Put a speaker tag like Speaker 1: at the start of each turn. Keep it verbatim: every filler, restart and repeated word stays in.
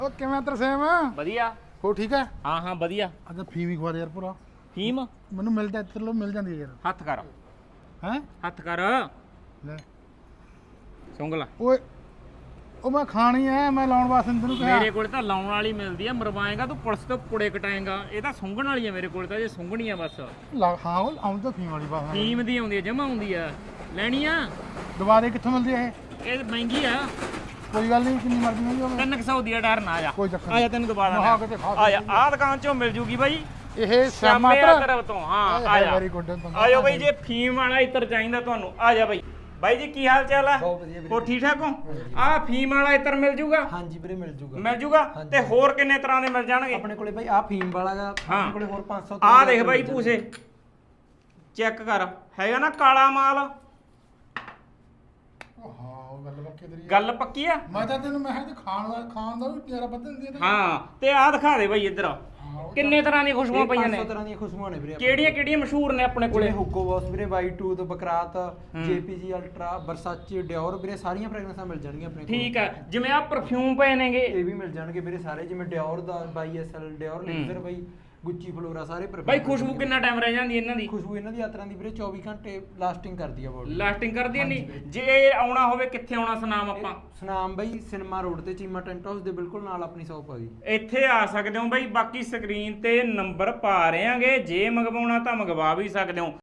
Speaker 1: ਉਹ ਕਿਵੇਂ ਤਰਸੇਮ
Speaker 2: ਵਧੀਆ
Speaker 1: ਹੋ ਠੀਕ ਹੈ
Speaker 2: ਹਾਂ ਹਾਂ ਵਧੀਆ
Speaker 1: ਅੱਛਾ ਫੀਮ ਹੀ ਖਵਾ ਦੇ ਯਾਰ ਪੂਰਾ
Speaker 2: ਫੀਮ
Speaker 1: ਮੈਨੂੰ ਮਿਲਦਾ ਇੱਥੇ ਲੋ ਮਿਲ ਜਾਂਦੀ ਹੈ ਯਾਰ
Speaker 2: ਹੱਥ ਕਰ
Speaker 1: ਹੈ
Speaker 2: ਹੱਥ ਕਰ
Speaker 1: ਲੈ
Speaker 2: ਸੁੰਗਲਾ
Speaker 1: ਓਏ ਉਹ ਮੈਂ ਖਾਣੀ ਐ ਮੈਂ ਲਾਉਣ ਵਾਸਤੇ ਤੈਨੂੰ ਕਿਹਾ
Speaker 2: ਮੇਰੇ ਕੋਲ ਤਾਂ ਲਾਉਣ ਵਾਲੀ ਮਿਲਦੀ ਆ ਮਰਵਾਏਗਾ ਤੂੰ ਪੁਲਿਸ ਤੋਂ ਪੁੜੇ ਕਟਾਏਗਾ ਇਹ ਤਾਂ ਸੁੰਘਣ ਵਾਲੀ ਆ ਮੇਰੇ ਕੋਲ ਤਾਂ ਜੇ ਸੁੰਘਣੀ ਆ ਬਸ
Speaker 1: ਲਾ- ਹਾਂ ਉਹ ਆਉਂਦੀ ਤਾਂ ਫੀਮ ਵਾਲੀ ਬਾਤ
Speaker 2: ਫੀਮ ਦੀ ਆਉਂਦੀ ਆ ਜਮਾ ਆਉਂਦੀ ਆ ਲੈਣੀ ਆ
Speaker 1: ਦਵਾ ਦੇ ਕਿੱਥੋਂ ਮਿਲਦੀ ਹੈ ਇਹ
Speaker 2: ਇਹ ਮਹਿੰਗੀ ਆ
Speaker 1: ਕੋਈ ਗੱਲ ਨਹੀਂ ਕਿੰਨੀ ਮਰਜ਼ੀ ਮਿਲ ਜਾਵੇ
Speaker 2: ਤਿੰਨ ਕੁ ਸੌ ਦੀ ਆ ਡਰ ਨਾ ਆ ਜਾ
Speaker 1: ਕੋਈ ਚੱਕਰ
Speaker 2: ਆ ਜਾ ਤੈਨੂੰ ਦੁਬਾਰਾ
Speaker 1: ਮਹਾ ਕਿਤੇ ਖਾ
Speaker 2: ਆ ਜਾ ਆਹ ਦੁਕਾਨ ਚੋਂ ਮਿਲ ਜੂਗੀ ਬਾਈ
Speaker 1: ਇਹ
Speaker 2: ਸ਼ਾਮੇ
Speaker 1: ਸ਼ਾਮਾਤਰ
Speaker 2: ਤਰਫ ਤੋਂ ਹਾਂ ਆ ਜਾ
Speaker 1: ਵੈਰੀ ਗੁੱਡ
Speaker 2: ਆ ਜਾਓ ਬਾਈ ਜੇ ਫੀਮ ਵਾਲਾ ਇਤਰ ਚਾਹੀਦਾ ਤੁਹਾਨੂੰ ਆ ਜਾ ਬਾਈ ਬਾਈ ਜੀ ਕੀ ਹਾਲ ਚਾਲ ਆ
Speaker 3: ਬਹੁਤ ਵਧੀਆ ਵੀਰੇ।
Speaker 2: ਹੋਰ ਠੀਕ ਠਾਕ ਹੋ ਆ ਫੀਮ ਵਾਲਾ ਇਤਰ ਮਿਲ ਜੂਗਾ
Speaker 3: ਹਾਂਜੀ ਵੀਰੇ ਮਿਲ ਜੂਗਾ
Speaker 2: ਮਿਲ ਜੂਗਾ ਤੇ ਹੋਰ ਕਿੰਨੇ ਤਰ੍ਹਾਂ ਦੇ ਮਿਲ ਜਾਣਗੇ
Speaker 3: ਆਪਣੇ ਕੋਲੇ ਬਾਈ ਆ ਫੀਮ ਵਾਲਾ ਗਾ
Speaker 2: ਹਾਂ।
Speaker 3: ਆਪਣੇ ਕੋਲੇ ਹੋਰ ਪੰਜ ਸੌ
Speaker 2: ਆ ਦੇਖ ਬਾਈ ਪੂਸੇ ਚੈੱਕ ਕਰ ਹੈਗਾ ਨਾ ਕਾਲਾ ਮਾਲ
Speaker 1: ਹਾਂ ਉਹ ਗੱਲ ਪੱਕੀ ਤੇਰੀ
Speaker 2: ਗੱਲ ਪੱਕੀ ਆ
Speaker 1: ਮੈਂ ਤਾਂ ਤੈਨੂੰ ਮੈਂ ਕਿਹਾ ਖਾਣ ਦਾ ਖਾਣ ਦਾ ਵੀ ਤੇਰਾ ਬਦਲ ਦਿੰਦੀ ਹੈ
Speaker 2: ਹਾਂ ਤੇ ਆ ਦਿਖਾ ਦੇ ਬਾਈ ਇੱਧਰ ਕਿੰਨੇ ਤਰ੍ਹਾਂ ਦੀਆਂ ਖੁਸ਼ਬੂਆਂ ਪਈਆਂ ਨੇ
Speaker 3: ਪੰਜ ਸੌ ਤਰ੍ਹਾਂ ਦੀਆਂ ਖੁਸ਼ਬੂਆਂ ਨੇ ਵੀਰੇ
Speaker 2: ਕਿਹੜੀਆਂ ਕਿਹੜੀਆਂ ਮਸ਼ਹੂਰ ਨੇ ਆਪਣੇ ਕੋਲੇ
Speaker 3: ਜਿਵੇਂ ਹੁੱਗੋ ਬੌਸ ਵੀਰੇ ਵਾਈਟ ਟੂਥ Baccarat JPG ultra Versace Dior ਵੀਰੇ ਸਾਰੀਆਂ ਫ੍ਰੈਗਰੈਂਸਾਂ ਮਿਲ ਜਾਣਗੀਆਂ ਆਪਣੇ ਕੋਲ
Speaker 2: ਠੀਕ ਆ ਜਿਵੇਂ ਆ ਪਰਫਿਊਮ ਪਏ ਨੇਗੇ
Speaker 3: ਇਹ ਵੀ ਮਿਲ ਜਾਣਗੇ ਵੀਰੇ ਸਾਰੇ ਜਿਵੇਂ ਡਿਓਰ ਦਾ ਬਾਈ ਐਸ ਐਲ ਡਿਓਰ ਲੇਜ਼ਰ ਬਾਈ ਗੁੱਚੀ ਫਲੋਰਾ ਸਾਰੇ perfume
Speaker 2: ਬਾਈ ਖੁਸ਼ਬੂ ਕਿੰਨਾ ਟਾਈਮ ਰਹਿ ਜਾਂਦੀ ਇਹਨਾਂ ਦੀ
Speaker 3: ਖੁਸ਼ਬੂ ਇਹਨਾਂ ਦੀ ਆਤਰਾਂ ਦੀ ਵੀਰੇ ਚੌਵੀ ਘੰਟੇ ਲਾਸਟਿੰਗ ਕਰਦੀ ਆ ਬੋਡੀ
Speaker 2: ਲਾਸਟਿੰਗ ਕਰਦੀ ਆ ਨਹੀਂ ਜੇ ਇਹ ਆਉਣਾ ਹੋਵੇ ਕਿੱਥੇ ਆਉਣਾ ਸੁਨਾਮ ਆਪਾਂ
Speaker 3: ਸੁਨਾਮ ਬਾਈ ਸਿਨੇਮਾ ਰੋਡ ਤੇ ਚੀਮਾ ਟੈਂਟ ਹਾਊਸ ਦੇ ਬਿਲਕੁਲ ਨਾਲ ਆਪਣੀ ਸ਼ਾਪ ਆ ਗਈ
Speaker 2: ਇੱਥੇ ਆ ਸਕਦੇ ਹੋ ਬਾਈ ਬਾਕੀ ਸਕਰੀਨ ਤੇ ਨੰਬਰ ਪਾ ਰਹੇ ਆਂਗੇ ਜੇ ਮੰਗਵਾਉਣਾ ਤਾਂ ਮੰਗਵਾ ਵੀ ਸਕਦੇ ਹੋ